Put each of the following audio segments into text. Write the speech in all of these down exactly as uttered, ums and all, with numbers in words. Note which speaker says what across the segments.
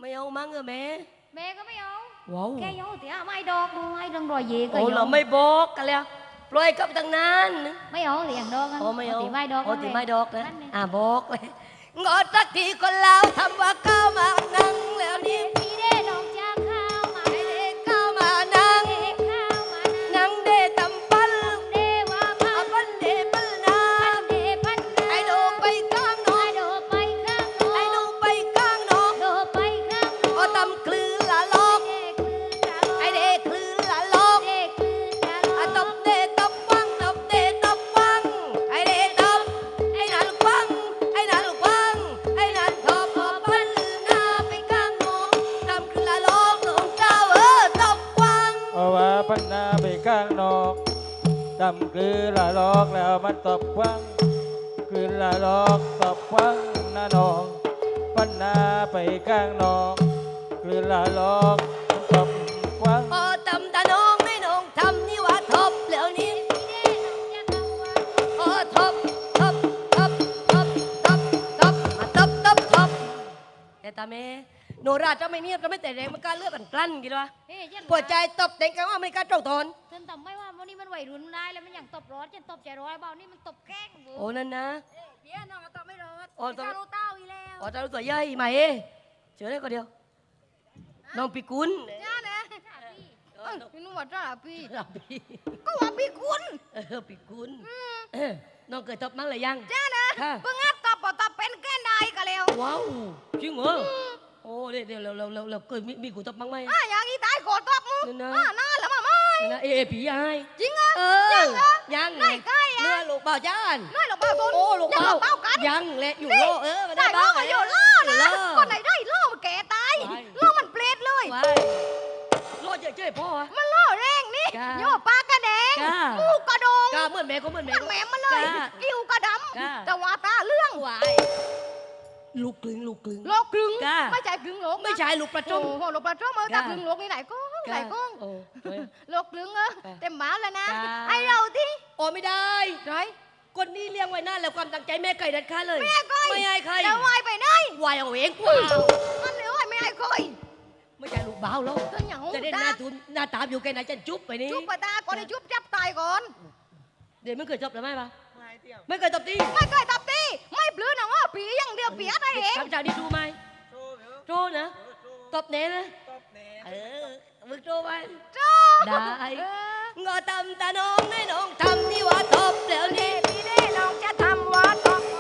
Speaker 1: ไม่เอามั้งเออแม่
Speaker 2: แม่ก็ไม่เอา
Speaker 1: ว้าว
Speaker 2: แกยอเสียไม่ดอกดูให้ดังรอยเย่ก็ยอ
Speaker 1: โอ้เราไม่บอกกันแล้วปล่อยกับตั้งนาน
Speaker 2: ไม่เอาเลี้ยงดอก
Speaker 1: โอ้ไม่เอา
Speaker 2: ตีไม่ดอก
Speaker 1: โอ้ตีไม่ดอกนะอ่าบอกเลยงอสักทีคนแล้วทำว่าก้าวมานั่งแล้วนี่
Speaker 2: พี่เด้น้องจะเข้ามา
Speaker 1: เด็กก้าวมานั่งนั่งเดตำปัน
Speaker 2: เดว่าพัน
Speaker 1: ปันเดปันนา
Speaker 2: เดพัน
Speaker 1: ไอโดไปข้างนอก
Speaker 2: ไอโดไปข้างนอก
Speaker 1: ไอโดไปข้างนอก
Speaker 2: โดไปข้างนอก
Speaker 1: โอ้ตำคลื่นละลอกไอเด็กคลื่นละลอกอะตบเดตบฟังตบเดตบฟังไอเดตบไอนั่นฟังไอนั่นฟังไอนั่นทบปันนาไปข้างนอกตำคลื่นละลอกลงเจ้าเออตบฟัง
Speaker 3: เพราะว่าปันนาไปข้างนอกดำคือละลอกแล้วมันตบฟังคือละลอกตบฟังนาน้องปันนาไปข้างนอกคือละลอกตบฟัง
Speaker 1: พอตำตาน้องไม่น้องทำนี่ว่าทบแล้วนี่โอ้ทบทบทบทบทบทบมาทบทบทบแต่ตาแม่โนราจะไม่เนียบจะไม่แต่แรงมันกล้าเลือกกันกลั้นกี่วะปวดใจตบเด็กกันว่าไม่กล้าเจ้าตน
Speaker 2: ฉันทำไม่ว่าวันนี้มันไหวรุนได้แล้วมันอย่างตบร้อนฉันตบใจร้อยเบานี่มันตบแกล้ง
Speaker 1: โอ้นั่นนะ
Speaker 2: เดี๋ยวน้องตบไม่ร้อน
Speaker 1: โอ้ตบ
Speaker 2: รู้เต้าอีแล้ว
Speaker 1: โอ้ตารู้ตัวใหญ่ไหมเอ๊เจอได้ก็เดียวน้องปีกุล
Speaker 2: จ้าเนะพี่นุ่มว่าจ้าพี่
Speaker 1: พี่
Speaker 2: ก็ว่าพี่กุล
Speaker 1: เออปีกุลน้องเคยตบมั้งหรือยัง
Speaker 2: จ้านะเพิ่งอัดตบตบเป็นแค่นายก็แล้ว
Speaker 1: ว้าวจริงเหรอโอ้เดี๋ยวเดี๋ยวเราเราเราเราเคยมีมีกูตบมั้งไหม
Speaker 2: อ่ะอย่างนี้ตายกดตบมึงอ่ะน่าแล้วมาไม่
Speaker 1: นะเอผียาย
Speaker 2: จริงอ่ะ
Speaker 1: เออยัง
Speaker 2: ไงใกล้
Speaker 1: เนื้อลูกเบาจ้าน
Speaker 2: เนื้อลูกเบาต้น
Speaker 1: โอ้ลูกเบา
Speaker 2: กัน
Speaker 1: ยังแหละอยู่โลเออ
Speaker 2: ได้โลมาอยู่โลนะคนไหนได้โลมันแก่ตายโลมันเปรตเลย
Speaker 1: โลเจ๊พ่อ
Speaker 2: มันโลแรงนี่โยปากกระแดงมูกกระดง
Speaker 1: กาเหมือนแม่ก็เหมือนแม่
Speaker 2: แม่มาเลยกิ้วกระดำแต่ว่าตาเรื่อง
Speaker 1: วายลูกกลึงลูกกลึง
Speaker 2: โลกกลึงไม่ใช่กลึงโลก
Speaker 1: ไม่ใช่ลูกประจง
Speaker 2: โอ้ลูกประจงมาจากกลึงโลกนี่ไหนก้องไหนก้องโลกกลึงเออเต็มหมาแล้วนะไอเราที่
Speaker 1: โอ้ไม่ได้
Speaker 2: ไร
Speaker 1: คนนี้เลี้ยงไว้น่าแล้วความตั้งใจแม่ไก่ดัดขาเลย
Speaker 2: แม่ไก่
Speaker 1: ไม่ให้ใคร
Speaker 2: จะวายไปไหน
Speaker 1: วายเอาเองกว่า
Speaker 2: มันเลยไม่ให้ใคร
Speaker 1: ไม่ใช่ลูกเบาแล้วจะได้หน้าตูนหน้าตามอยู่แค่ไหนจะจุ๊บไปนี่
Speaker 2: จุ๊บไปตาก่อนให้จุ๊บจับตายก่อน
Speaker 1: เดี๋ยวไม่เคยจบหรือไม่ปะไม่เคยตบตี
Speaker 2: ไม่เคยตบตีไม่ปลื้มนะว่าปีอย่างเดียวปีอะไรเอง
Speaker 1: ทำจากนี้ดูไหมโจ้นะตบเน้นะเออมึงโจ้ไหม
Speaker 2: โจ้
Speaker 1: ได้งอตำตาน้องให้น้องทำที่ว่าตบแล้วนี่
Speaker 2: พี่เด้น้องจะทำว่าตบ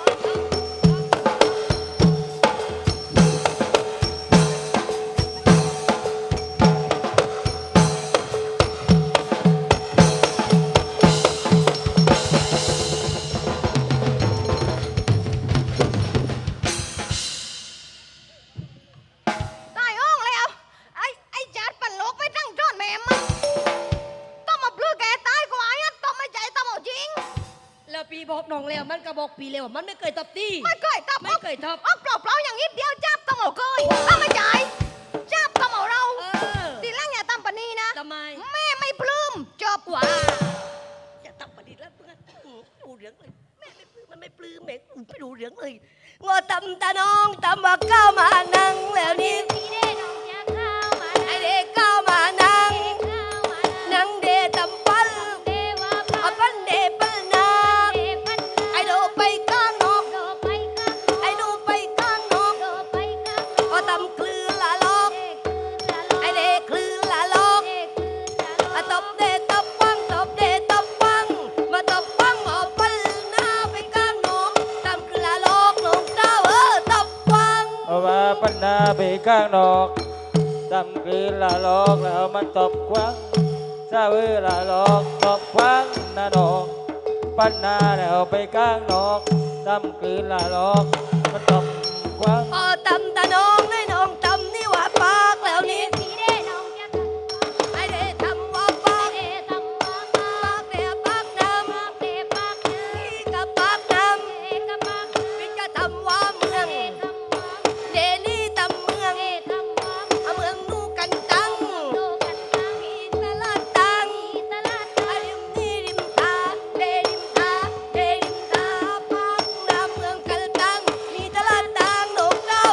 Speaker 1: ปีบอกน้องแล้วมันก็บอกปีแล้วมันไม่เคยตบตี
Speaker 2: ไม่เคยตบ
Speaker 1: ไม่เคยตบ
Speaker 2: อ๋อเปล่าเปล่าอย่างนี้เดียวจับตำเอาเคยถ้าไม่จ่ายจับตำเอาเราทีหลังอย่าตำปนีนะ
Speaker 1: ทำไม
Speaker 2: แม่ไม่ปลื้มจบ
Speaker 1: ว่าอย่าตำปนีแล้วเพื่อนดูเรื่องเลยแม่ไม่ปลื้มมันไม่ปลื้มแม่ไม่ดูเรื่องเลยงอตำตาน้องตำว่าก้าวมานั่งแล้วนี่
Speaker 2: พี่เด้น้องจะเข้ามา
Speaker 1: ไอเด็กก้าวมานั่งนั่งเดตำปัน
Speaker 2: เดว่า
Speaker 1: ปันเดปันนาไอโดไปข้างนอกไอโดไปข้างนอกก็ตำคลื่นละลอกไอเด็กคลื่นละลอกอะตบเดตบฟังตบเดตบฟังมาตบฟังออกปันหน้าไปข้างนอกตำคลื่นละลอกลงเจ้าเออตบฟัง
Speaker 3: เอาว่าปันนาไปข้างนอกตำคือละลอกแล้วมันตบควังซาเวละลอกตบควังนาน้องปันนาแล้วไปข้างนอกตำคือละลอกมันตบควัง
Speaker 1: พอตำตาน้องให้น้องตำนี่ว่าปากแล้วนี่
Speaker 2: พี่เด้น้องจะ
Speaker 1: ไอเด้ทำว่าปาก
Speaker 2: เด้ทำว่าป
Speaker 1: ากเด้ปากน้ำ
Speaker 2: ปากเด้ปากน้ำ
Speaker 1: พี่กับปากน้ำ
Speaker 2: เด้กับปาก
Speaker 1: พี่จะทำว่าเมืองเดนี่ตำเมืองเมืองนู่กันตังพี่ตลาดตังริมนี่ริมทาเดริมทาเดริมทาปากน้ำเมืองกันตังมีตลาดตังโด่งเจ้า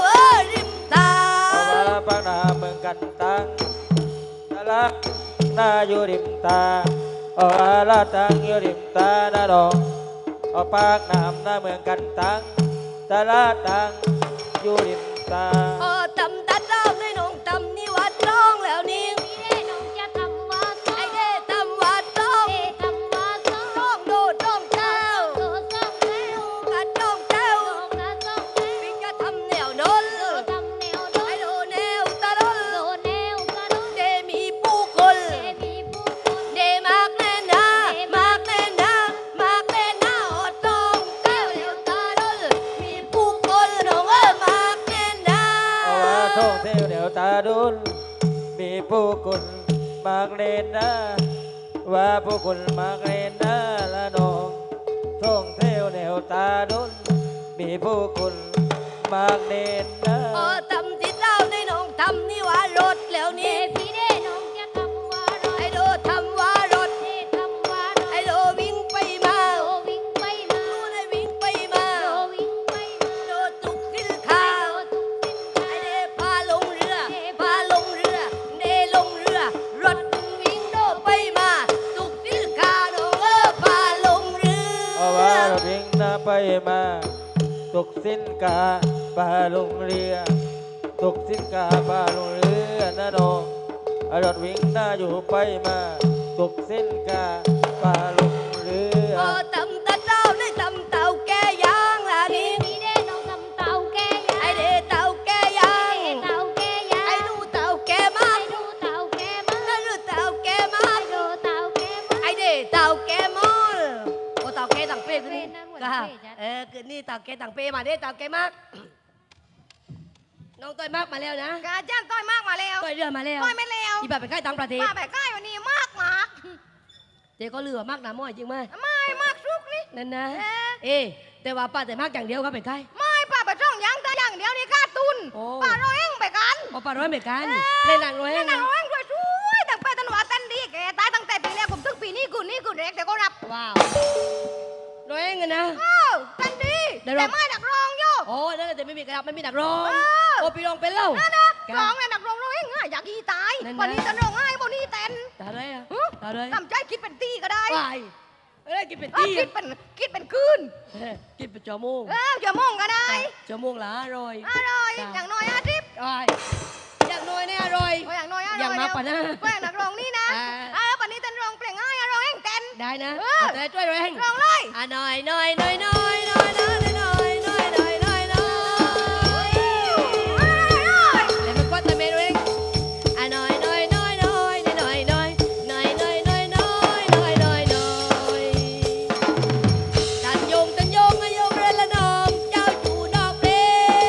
Speaker 3: กันตังตะลักหน้าอยู่ริมตาเอาอาลาตังอยู่ริมตาหน้าดองเอาปากน้ำหน้าเมืองกันตังตะลาตังอยู่ริมตา
Speaker 1: เออตำตัดเราในน้องตำนี่วัดร้องแล้วนี่
Speaker 2: พี่เด้น้องจะทำว่าซ้อ
Speaker 1: ไอ้เด้ตำวัดร้อง
Speaker 2: เด้ทำว่าซ้อ
Speaker 1: ร้องโดดร้องเจ้า
Speaker 2: โดซ้องแล้ว
Speaker 1: กัดร้องเจ้า
Speaker 2: โดนะซ้องแล้ว
Speaker 1: พี่จะทำแนวนน
Speaker 2: โดทำแนวโด
Speaker 1: ไอ้โดแนวตะลน
Speaker 2: โดแนวกระโดด
Speaker 1: เดมีผู้คน
Speaker 2: เดมีผู้คน
Speaker 1: เดมากแน่นามากแน่นามากแน่นาอดร้องเจ้าเดียวตาลนมีผู้คนน้องเอ้ยมากแน่นา
Speaker 3: เอาว่าท่องเที่ยวเดี๋ยวตาดุลมีผู้คนมากเล่นนะว่าผู้คนมากเล่นนะละน้องท่องเที่ยวแนวตาดุลมีผู้คนมากเล่นนะ
Speaker 1: เออทำที่เราในน้องทำนี่ว่ารถแล้ว
Speaker 2: เด
Speaker 1: นี่
Speaker 2: พี่เด้น้องจะทำว่ารถ
Speaker 1: ไอ้โดทำว่ารถ
Speaker 2: เดทำว่ารถ
Speaker 1: ไอ้โดวิ่งไปมา
Speaker 2: โดวิ่งไปมา
Speaker 1: ดูได้วิ่งไปมา
Speaker 2: โดวิ่งไปมา
Speaker 1: โดตุกสินค้า
Speaker 2: โดทุกสินค้า
Speaker 1: ไอ้เดพาลงเรือพาลงเรือเดลงเรือ รถวิ่งโดไปมาตุกสินค้าน้องเออพาลงเรือ
Speaker 3: เอาว่ารถวิ่งหน้าไปมาตกสินกาปลาลงเรือตกสินกาปลาลงเรือนะน้องรถวิ่งหน้าอยู่ไปมาตกสินกาปลาลงเรือ
Speaker 1: เออตำตะเจ้าได้ตำเต่าแกยางล่ะ
Speaker 2: เด
Speaker 1: นี่
Speaker 2: พี่เด้น้องทำเต่าแกยา
Speaker 1: ไอ้เดเต่าแกยาง
Speaker 2: เดเต่าแกยา
Speaker 1: ไอ้ดูเต่าแกมา
Speaker 2: ไอ้ดูเต่าแกมา
Speaker 1: ไอ้ดูเต่าแกมา
Speaker 2: ไอ้ดูเต่าแกมา
Speaker 1: ไอ้เดเต่าแกมอลโอ้เต่าแกต่างเป้ขึ้นนี่
Speaker 2: เป้นั่นหัว
Speaker 1: ก็
Speaker 2: เป้จ้ะ
Speaker 1: เออขึ้นนี่เต่าแกต่างเป้มาเด้เต่าแกมากน้องต้อยมากมาแล้วนะ
Speaker 2: กาจ้างต้อยมากมาแล้ว
Speaker 1: ต้อยเรือมาแล้ว
Speaker 2: ต้อยไม่แล้ว
Speaker 1: อีแบบไปใกล้ต่างประเทศ
Speaker 2: มาแบบใกล้วันนี้มากมาก
Speaker 1: เจ๊ก็เรือมากนะม้อยจริงไหม
Speaker 2: ไม่มากทุกนี่
Speaker 1: นั่นนะ
Speaker 2: เอ๊ะ
Speaker 1: เอ๊ะแต่ว่าป้าแต่มากอย่างเดียวครับเป็นใกล้
Speaker 2: ไม่ป้าไปช่องยังแต่อย่างเดียวนี่ค่าตุน
Speaker 1: โอ้
Speaker 2: ป้าเราเองไปกัน
Speaker 1: พอป้าร้อยเหมือนกันเล่นหนังร้อย
Speaker 2: เล่
Speaker 1: เอน ง
Speaker 2: หนัง
Speaker 1: นะ
Speaker 2: เราเองช่วยช่วยตั้งแต่ตันหวาเต้นดีแกตายตั้งแต่ปีแรกผมถึงปีนี้กูนี่กูเด็กแต่ก็รับ
Speaker 1: ว้าวร้อยเองอะนะ
Speaker 2: เอ้าเต้นดี
Speaker 1: ได้
Speaker 2: แต่
Speaker 1: รับ
Speaker 2: ไม่นักร้องโย่
Speaker 1: โอ้นั่นแหละแต่ไม่มีกระดับไม่มีดักร้อง
Speaker 2: เออ
Speaker 1: โอ้พี่ร้องเป็นเล่า
Speaker 2: นั่นนะ
Speaker 1: ครับ
Speaker 2: ร้องเนี่ยนักร้องเราเองอะอยากอีตาย
Speaker 1: นั่นนะ
Speaker 2: วันนี้จะร้องไห้วันนี้เต้น
Speaker 1: ตาเลยอะ
Speaker 2: ฮะ
Speaker 1: ตาเลย
Speaker 2: ทำใจคิดเป็นตีก็ได้
Speaker 1: วายเอ้ยกินเป็น
Speaker 2: เออ
Speaker 1: ที่
Speaker 2: คิดเป็นคิดเป็นคืน
Speaker 1: เอ้ยกินเป็นจอมูก
Speaker 2: เอออย่ามองก็ได้
Speaker 1: จอมูกหลาอร่อย
Speaker 2: อร่อย
Speaker 1: จ้ะ
Speaker 2: อย่างน้อยอาทิตย์
Speaker 1: อร่อยอย่างน้อยเนี่ยอร่อย
Speaker 2: อย่างน้อยอร่อย
Speaker 1: อย่างมากกว่านะ
Speaker 2: แป้งนักร้องนี่นะ
Speaker 1: อ่า
Speaker 2: เออวันนี้เต้นร้องเพลงง่ายอะร้องเองเต้น
Speaker 1: ได้นะ
Speaker 2: เออ
Speaker 1: เอาแต่ช่วยร้อยเอง
Speaker 2: ร้องเลย
Speaker 1: อ่ะหน่อยหน่อยหน่อยหน่อยหน่อยหน่อยหน่อยหน่อยหน่อยหน่อยหน่อยเลยมันก็แต่เมนูเองอ่ะหน่อยหน่อยหน่อยหน่อยหน่อยหน่อยหน่อยหน่อยหน่อยหน่อยหน่อยหน่อยหน่อยตันยงตันยงอะยงเรละน้องเจ้าจูดอกเบ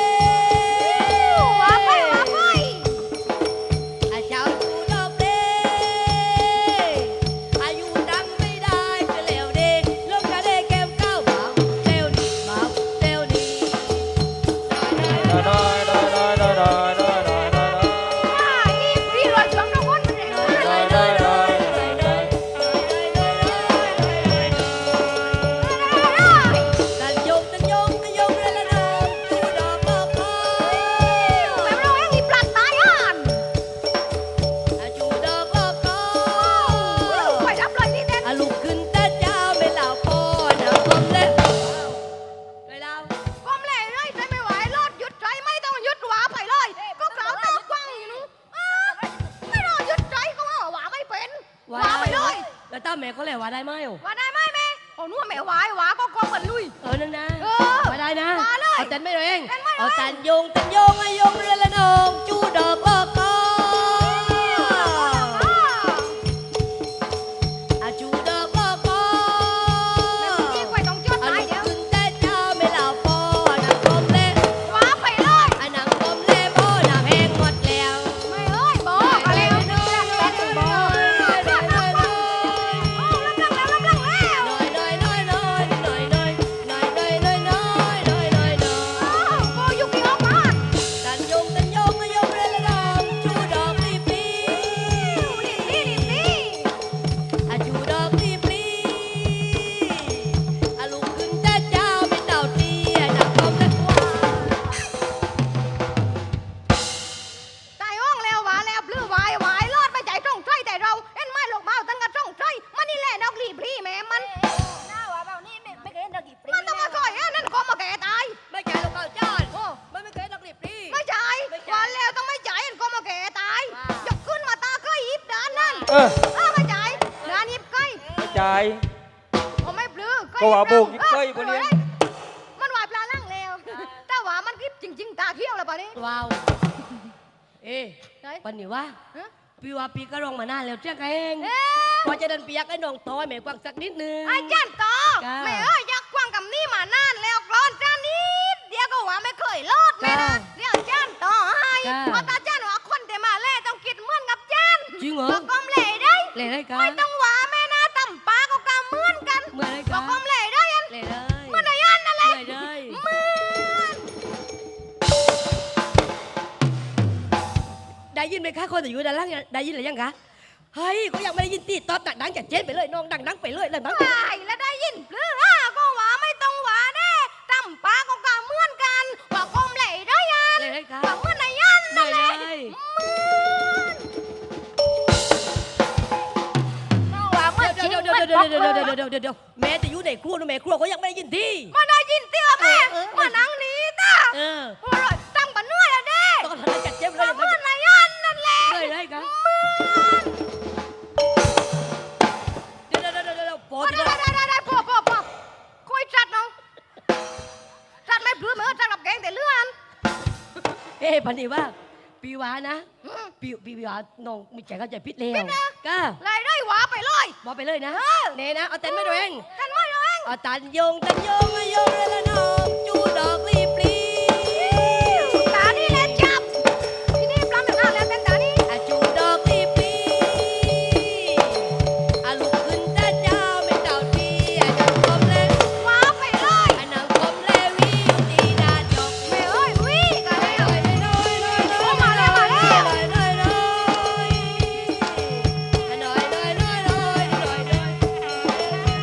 Speaker 2: ว้าไปว้าไป
Speaker 1: อาเจ้าจูดอกเบอายุดังไม่ได้จะแล้วเด็กลงกระเดแก้มเก้าเบาเซลนี่เบาเซลนี่
Speaker 3: น้อยน้อยน้อยน้อยน้อยน้อยน้อยน้อยน้อย
Speaker 2: อ่านี่พี่รอยช่วงน้องคนมันเองนะ
Speaker 3: น้อยน้อยน้อยน้อย
Speaker 1: ตันยงตันยงตันยงเรละน้องจูดอกบอกคอ
Speaker 2: แบบเราเองมีปลัดตายอ่าน
Speaker 1: อาจูดอกบอกคอ
Speaker 2: ไปรับเลยนี่เต้น
Speaker 1: อาลุกขึ้นแต่เจ้าไม่เหล่าพ่อนะผมเล่นไปเล่า
Speaker 2: ก้มเลยเลยใจไม่ไหวรอดหยุดใจไม่ต้องหยุดหวาไปเลย ก็เก่าตากว้างอยู่นู้นอ่าไม่รอหยุดใจก็ว่าหวาไม่เป็นหวาไปเลย
Speaker 1: แล้วต้าแม่เขาเลยว่าได้ไหมอ่ะ
Speaker 2: ว่าได้ไหมแม่โอ้นู้นแม่หวายหวาก็กองเหมือนลุย
Speaker 1: เออนั่นนะ
Speaker 2: เออ
Speaker 1: มาได้นะ
Speaker 2: มาเลย
Speaker 1: เอาตันไม่เลยเอง
Speaker 2: เต้นไม่เลย
Speaker 1: เอาตันยงตันยงอะยงเรือละนองจูดอกบอกคออาจูดอกบอกคอ
Speaker 2: แม่พี่ไว้ต้องจด
Speaker 1: อา
Speaker 2: ตาย
Speaker 1: ลุก
Speaker 2: เดี๋ยว
Speaker 1: ขึ้นแต่เจ้าไม่เหล่าพ่อนะผมเล่น
Speaker 2: หวาไปเลย
Speaker 1: อันนังผมเล่นพ่อน้ำแห้งหมดแล้ว
Speaker 2: ไม่เอ้ยบอกอะไรวะเนี่ยแป๊บนึงบอกโอ้รับรังแล้วรับรังแล้ว
Speaker 1: น้อยน้อยน้อยน้อยน้อยน้อยน้อยน้อยน้อยน้อยน้อยน้อยน้อย
Speaker 2: โอ้โบยุกิออกมา
Speaker 1: ตัน
Speaker 3: เออ
Speaker 2: เออไม่จ่ายงานยิบไก่
Speaker 3: ไม่จ่าย
Speaker 2: ผมไม่ปลื้อ
Speaker 3: ก็ว่าโบกยิบไก่ปะเนี่ย
Speaker 2: มันว่าปลาล่างแล้วแต่ว่ามันกิบจริง ๆ ตาเขี้ยวแล้วป่ะนี่
Speaker 4: ว้าวเอ๊ะ
Speaker 2: ไหน
Speaker 4: ปันนี่ว่า
Speaker 2: ฮะ
Speaker 4: พี่ว่าพี่ก็ร้องมานานแล้วเจ้าเอง
Speaker 2: เอ๊ะ
Speaker 4: พอจะเดินปียักไอ้น้องต้อยแม่กวางสักนิดนึง
Speaker 2: ไอ้จานต่อ
Speaker 4: จ้า
Speaker 2: แม่เอ้ยยักษ์กว้างกับนี่มานานแล้วกรอนจานนิดเดี๋ยวก็ว่าไม่เคยรอดแม่นะเดี๋ยวจานต่อให้เพราะตาจานว่าคนเดมาเล่ต้องคิดเหมือนกับจาน
Speaker 4: จริงเหรอ
Speaker 2: บอกกลมเล่ได้
Speaker 4: เล่ได้กั
Speaker 2: ไม่
Speaker 4: น
Speaker 2: ต้องว่าแม่นะตำปลาก็กำเหมือนกัน
Speaker 4: เมื่อไร
Speaker 2: บ
Speaker 4: กั
Speaker 2: อก
Speaker 4: น
Speaker 2: กลมเล่ได้ยัน
Speaker 4: เล่ได้
Speaker 2: เหมือนไอ้ยันนั่นแหละ
Speaker 4: เล่ได้
Speaker 2: เหมือน
Speaker 4: ได้ยินไหมคะคนแต่อยู่ด้านล่างได้ยินหรือยังคะเฮ้ยก็ยังไม่ได้ยินตีตอบดังๆจัดเจนไปเลยน้องดังๆไปเลยดังๆ
Speaker 2: ไอ้แล้วได้ยินหรืออ่ะก็ว่าไม่ต้องว่าแน่ตำปลาก็กำเหมือนกันบอกกลมเล่ได้ยัน
Speaker 4: เล่ได้ค่ะ
Speaker 2: บอกเหมือนไอ้ยัน
Speaker 4: ได้
Speaker 2: นั่นแห
Speaker 4: เล
Speaker 2: ละ
Speaker 4: ย
Speaker 2: ว่าเมื่อจริง
Speaker 4: เดี๋ยวเดี๋ยว
Speaker 2: มัน
Speaker 4: เดี๋
Speaker 2: บ
Speaker 4: ย
Speaker 2: อ
Speaker 4: ว
Speaker 2: ก
Speaker 4: เดี๋ยว
Speaker 2: เล
Speaker 4: เดี๋ยวย เดี๋ยวเดี๋ยวเดี๋ยวแม่จะอยู่ในครัวนะแม่ครัวเขายังไม่ได้ยินที่
Speaker 2: มาได้ยินเตี้ยแม่มานั่งนี้ตา
Speaker 4: เออ
Speaker 2: โอ้ยตั้งปันเนื้อแล้วเด้
Speaker 4: ต้องทำจัดเจนไป
Speaker 2: มา
Speaker 4: เลย
Speaker 2: เหมือนนายยันนั่นแหละ
Speaker 4: เลยได้ครับเดี๋ยวเดี๋ยวเดี๋ยวเดี๋ยวปอ
Speaker 2: มา
Speaker 4: ด
Speaker 2: ได้ได้ได้ได้พอพอพอคุยจัดน้องจัดไม่พลื้มเหมือนจัดกับแกงแต่เลื่อน
Speaker 4: เอ้พันนี่ว่าปีวานะปีปีวาน้องมีใจเข้าใจพิษแล้วก้า
Speaker 2: เลยได้หวาไปเลย
Speaker 4: บอกไปเลยนะเน่นะเอาเต้นไม่ดูเอง
Speaker 2: ท่านไม่ร้อง
Speaker 4: เอาตันยงตันยงโยงเลยละน้องจูดอกรีบรี
Speaker 2: ตานี่แหละจับที่นี่ปลาหนึ่งแล้วเต้นตานี่
Speaker 4: อาจูดอกรีบรีอาลุกขึ้นตาเจ้าไม่เต่าทีอานังคมเล
Speaker 2: หวาไปเลย
Speaker 4: อานังคมเลวิวตีนาจก
Speaker 2: แม่เอ้ยวิ่งกันแล้ว
Speaker 4: น้อยน้อยน้อยน้อย
Speaker 2: มาแล้วมาแล้ว
Speaker 4: น้อยน้อยน้อยน้อยน้อยน้อยน้อยน้อย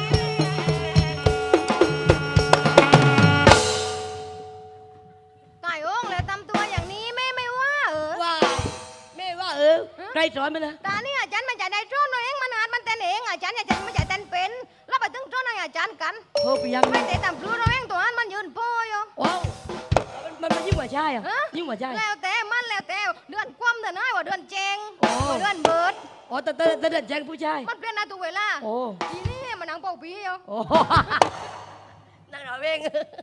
Speaker 2: ตายโอ่งแล้วทำตัวอย่างนี้แม่ไม่ว่าเออ
Speaker 4: ว่าแม่ว่าเออใครสอนมันนะ
Speaker 2: ตานี่อาจารย์มันจะได้จ้อนเองมันอาจมันเต้นเองอาจารย์อาจารย์มันจะเต้นเป็นแล้วไปถึงจ้อนให้อาจารย์กัน
Speaker 4: โทรไปยัง
Speaker 2: ไม่ได้ตามพลูเราเองตัวนั้นมันยืนโป้อยู่
Speaker 4: ว้าวมันมันยิ่งกว่าใช่อ่ะ
Speaker 2: ฮะ
Speaker 4: ยิ่งกว่าใช่
Speaker 2: แล้วแต่มันแล้วแต่เดือนคว่ำเดือนน้อยว่าเดือนเจง
Speaker 4: โอ้
Speaker 2: ว่าเดือนเบิด
Speaker 4: อ๋อแต่แต่แต่เด็ดแจ้งผู้ชาย
Speaker 2: มันเปลี่ยนหน้าตัวเวลา
Speaker 4: โอ้
Speaker 2: ทีนี้มันนังเป่าปีอยู่
Speaker 4: โอ้นั่งรอเอง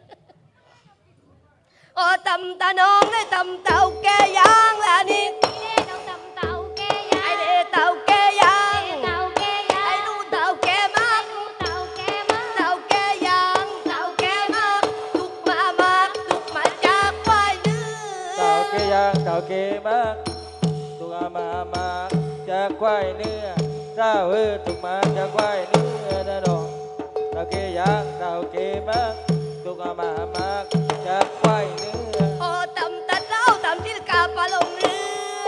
Speaker 4: โอ้ตำตาน้องได้ตำเต่าแกยางละนี่ไอเด้เต่าแกยางไอลูเต่าแกมากเต่าแกยางเต่าแกมากตุกมามากตุกมาจากควายเนื้อ
Speaker 3: เต่าเกยางเต่าเกมากตัวมามาจากควายเนื้อเจ้าเออถูกมาจากควายเนื้อนะน้องเต่าเกยางเต่าเกมากตัวมามาจากควายเนื้อ
Speaker 4: โอ้ตำตาเจ้าตำที่กาปลาลงเรือ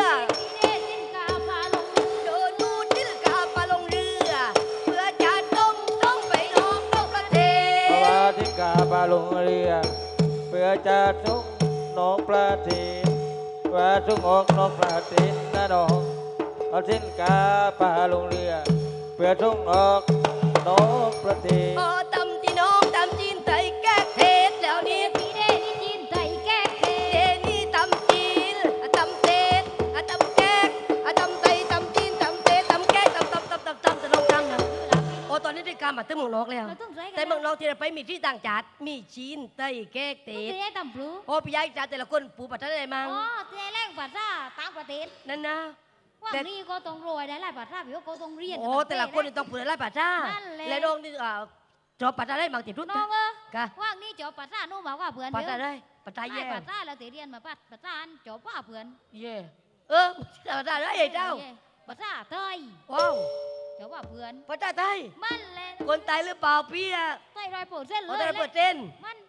Speaker 4: โดนดูดที่กาปลาลงเรือ เพื่อจะต้องต้องไปลองนอกประเท
Speaker 3: เพราะ
Speaker 4: ศ
Speaker 3: ว่าที่กาปลาลงเรือเพื่อจะทุกนกปลาทีเพื่อทุกอกนกปลาทีนะน้องเอาทิ้นกาปลาลงเรือเพื่อทุกอกนกปลาที
Speaker 4: โอ้ตำที่น้องตำจีนไทยแก้เทศแล้วนี่เดนี่ตำจีนตำเทศตำแก้ตำไทยตำจีนตำเทศตำแก้ตำตำตำตำตำจะลงจังนะโอ้ตอนนี้ได้การมาตึ้งเมืองนอกแล้ว แต่เมืองนอกที่เราไปมีที่ต่างจัดมีจีนไต้แก้เทศโอ้พี่ยายจ่าแต่ละคนปูปัตตาได้มั้งนั่นนะ
Speaker 5: ว่านี่ก็ต้องรวยได้หลายภาษาพี่ก็ต้องเรียน
Speaker 4: โอ้แต่ละคนนี่ต้องพูดหลายภาษา
Speaker 5: นั่นแหละ
Speaker 4: และน้องนี่อ่าจบภาษาได้บางติดรุ่น
Speaker 5: น้องเออก
Speaker 4: ะ
Speaker 5: ว่างนี่จบภาษาโน้มาว่าเพื่อน
Speaker 4: ภาษา
Speaker 5: เยอะ
Speaker 4: ได้ภาษา
Speaker 5: ได้
Speaker 4: แย่
Speaker 5: ภาษาแล้วแต่เรียนมาภาษาอันจบว่าเพื่อน
Speaker 4: เย่เออภาษาได้ไอ้เจ้า
Speaker 5: ภาษาไทย
Speaker 4: ว้าว
Speaker 5: จบว่าเพื่อน
Speaker 4: ภาษาไทย
Speaker 5: มันเลย
Speaker 4: คนไทยหรือเปล่าพี่อะ
Speaker 5: ไทยร้อยเปอร์เซ็นต์เล
Speaker 4: โอ้
Speaker 5: ย
Speaker 4: แต่เปิดเต้น
Speaker 5: มัน